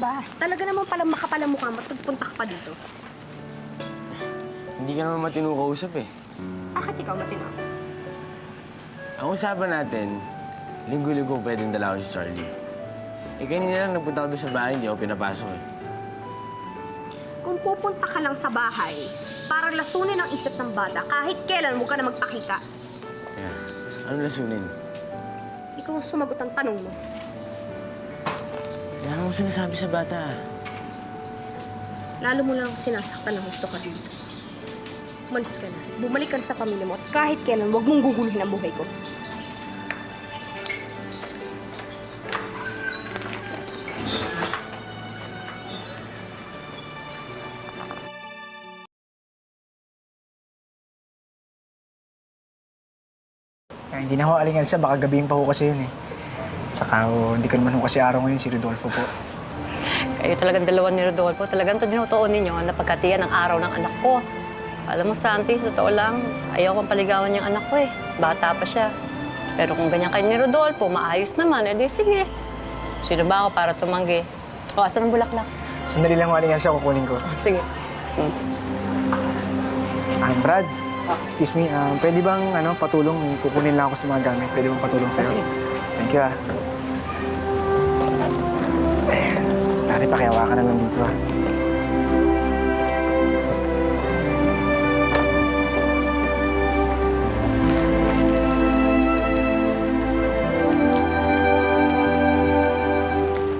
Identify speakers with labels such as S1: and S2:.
S1: ba? Talaga naman palang makapalang mukha mo at nagpunta ka pa dito.
S2: Hindi ka naman matino kausap eh.
S1: Bakit ikaw matino?
S2: Ang usapan natin, linggo-linggo pwedeng dala ko si Charlie. Eh, kanina lang nagpunta ko doon sa bahay, hindi ako pinapasok eh.
S1: Kung pupunta ka lang sa bahay, para lasunin ang isip ng bata, kahit kailan mo ka na magpakita.
S2: Kaya, ano lasunin?
S1: Ikaw ang sumagot ang tanong mo.
S2: Wala akong sinasabi sa bata ah.
S1: Lalo mo lang sinasaktan na gusto ka dito. Umalis ka na. Bumalik ka na sa pamilya mo at kahit kailan, huwag mong guguluhin ang buhay ko.
S3: Hindi na ho alingan siya, baka gabihin pa ho kasi yun eh. Saka hindi ko naman ho kasi araw ngayon si Rodolfo po.
S4: Kayo talagang dalawa ni Rodolfo. Talagang tinutuon ninyo ang napagkatiyan ng araw ng anak ko. Alam mo, Santi, sa totoo lang, ayaw kong paligawan yung anak ko eh. Bata pa siya. Pero kung ganyan kayo ni Rodolfo, maayos naman, edi sige. Sino ba ako para tumanggi? O, asan ang bulaklak?
S3: Sandali lang ho alingan siya, kukunin ko.
S4: Sige.
S3: Brad, excuse me, pwede bang patulong? Kukunin lang ako sa mga gamit. Pwede bang patulong sa'yo?
S4: Sige.
S3: Thank you Ayan. Pare, pakihawa ka na lang dito